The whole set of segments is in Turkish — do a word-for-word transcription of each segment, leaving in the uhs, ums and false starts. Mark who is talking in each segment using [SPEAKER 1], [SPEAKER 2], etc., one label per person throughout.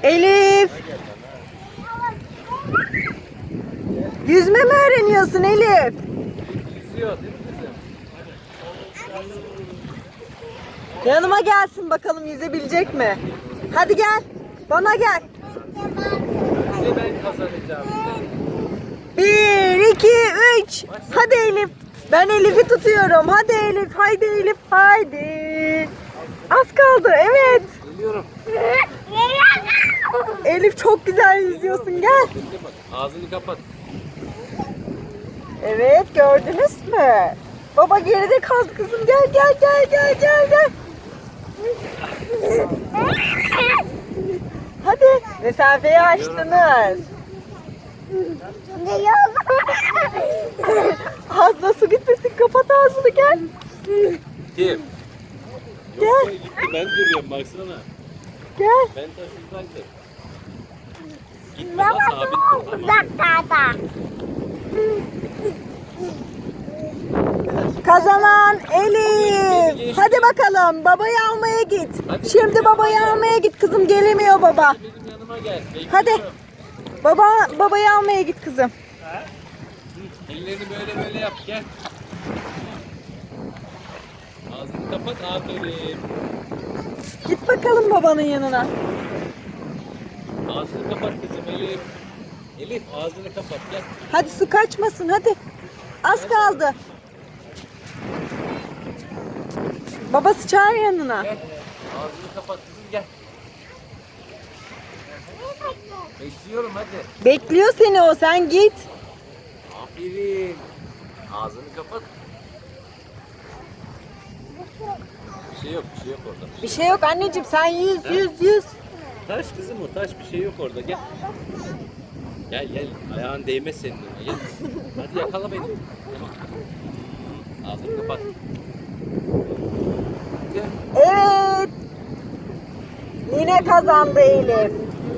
[SPEAKER 1] Elif. Yüzme mi öğreniyorsun Elif?
[SPEAKER 2] Yüzüyor değil mi kızım?
[SPEAKER 1] Yanıma gelsin bakalım yüzebilecek mi? Hadi gel. Bana gel.
[SPEAKER 2] Önce ben kazanacağım.
[SPEAKER 1] Bir, iki, üç. Hadi Elif. Ben Elif'i tutuyorum. Hadi Elif. Haydi Elif. Haydi. Az kaldı. Evet.
[SPEAKER 2] Geliyorum.
[SPEAKER 1] Elif çok güzel yüzüyorsun. Gel.
[SPEAKER 2] Bekle bak. Ağzını kapat.
[SPEAKER 1] Evet, gördünüz mü? Baba geride kaldı kızım. Gel gel gel gel gel gel. Hadi. Mesafeyi açtınız. Ağzına su gitmesin. Kapat ağzını gel.
[SPEAKER 2] Kim?
[SPEAKER 1] Gel.
[SPEAKER 2] Yok be, gitti. Ben duruyorum baksana.
[SPEAKER 1] Gel.
[SPEAKER 2] Ben taşıdaydım. Gitme lan sabit dur.
[SPEAKER 3] Uzaklarda.
[SPEAKER 1] Kazanan Elif. Hadi bakalım babayı almaya git.
[SPEAKER 2] Hadi.
[SPEAKER 1] Şimdi babayı almaya git kızım. Gelemiyor baba.
[SPEAKER 2] Benim yanıma gel. Bekliyorum.
[SPEAKER 1] Hadi. Baba babayı almaya git kızım.
[SPEAKER 2] Ellerini böyle böyle yap gel. Ağzını kapat aferin.
[SPEAKER 1] Git bakalım babanın yanına.
[SPEAKER 2] Ağzını kapat kızım Elif. Elif ağzını kapat gel.
[SPEAKER 1] Hadi su kaçmasın hadi. Az kaldı. Babası çağır yanına.
[SPEAKER 2] Gel. Ağzını kapat kızım gel. Bekliyorum hadi.
[SPEAKER 1] Bekliyor seni o, sen git.
[SPEAKER 2] Aferin. Ağzını kapat. Bir şey yok, bir şey yok orada.
[SPEAKER 1] Bir şey yok anneciğim, sen yüz yüz yüz.
[SPEAKER 2] Taş kızım o, taş bir şey yok orada. Gel. Gel gel. Ayağın değmez senin önüne. Gel. Hadi yakala beni. Ağzını kapat. Gel.
[SPEAKER 1] Evet. Yine kazandı Elif.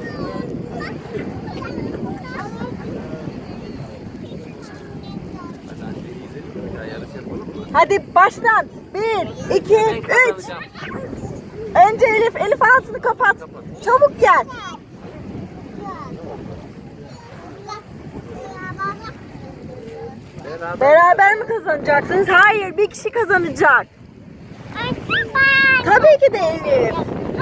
[SPEAKER 2] Hadi anneyi izleyelim. Ya yarış yapalım mı?
[SPEAKER 1] Hadi baştan. Bir, iki,
[SPEAKER 2] Ben
[SPEAKER 1] üç.
[SPEAKER 2] kazanacağım.
[SPEAKER 1] Önce Elif, Elif ağzını kapat. Çabuk gel.
[SPEAKER 2] Beraber.
[SPEAKER 1] Beraber mi kazanacaksınız? Hayır, bir kişi kazanacak. Tabii ki de Elif.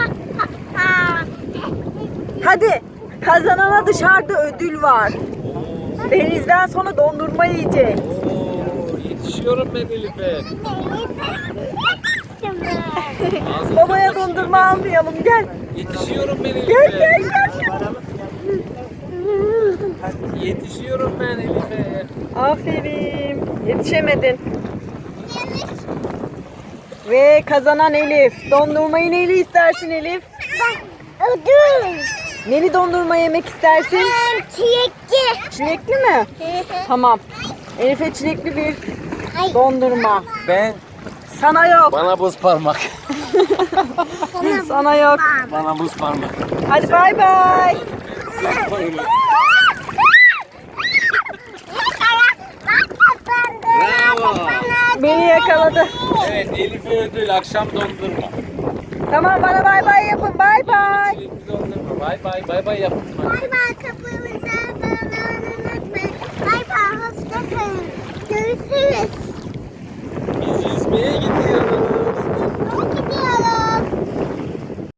[SPEAKER 1] Hadi. Kazanana dışarıda ödül var. Denizden sonra dondurma yiyecek.
[SPEAKER 2] Oo, yetişiyorum ben Elif'e. Ağzını
[SPEAKER 1] Babaya
[SPEAKER 2] kapat.
[SPEAKER 1] dondurma almayalım. Gel.
[SPEAKER 2] Yetişiyorum ben Elif'e.
[SPEAKER 1] Gel gel gel.
[SPEAKER 2] Yetişiyorum ben Elif'e.
[SPEAKER 1] Aferin. Yetişemedin. Ve kazanan Elif. Dondurmayı neyle istersin Elif?
[SPEAKER 3] Ödül.
[SPEAKER 1] Neli dondurma yemek istersin?
[SPEAKER 3] Çilekli.
[SPEAKER 1] Çilekli mi? Tamam. Elif'e çilekli bir
[SPEAKER 3] Ay.
[SPEAKER 1] dondurma.
[SPEAKER 2] Ben.
[SPEAKER 1] Sana yok.
[SPEAKER 2] Bana buz parmak.
[SPEAKER 1] Sana yok.
[SPEAKER 2] Bana buz parmak.
[SPEAKER 1] Hadi bay bay.
[SPEAKER 2] Bravo.
[SPEAKER 1] Beni yakaladı.
[SPEAKER 2] Evet Elif'e ödül akşam dondurma.
[SPEAKER 1] Tamam bana bay bay yapın. Bay bay.
[SPEAKER 2] Çilekli dondurma. Bay bay bay bay yap.
[SPEAKER 3] Bay bay, kapımızı unutmayın. Bay bay, hoşça kalın. Görüşürüz.
[SPEAKER 2] Biz yüzmeye gidiyoruz.
[SPEAKER 3] Gidiyoruz.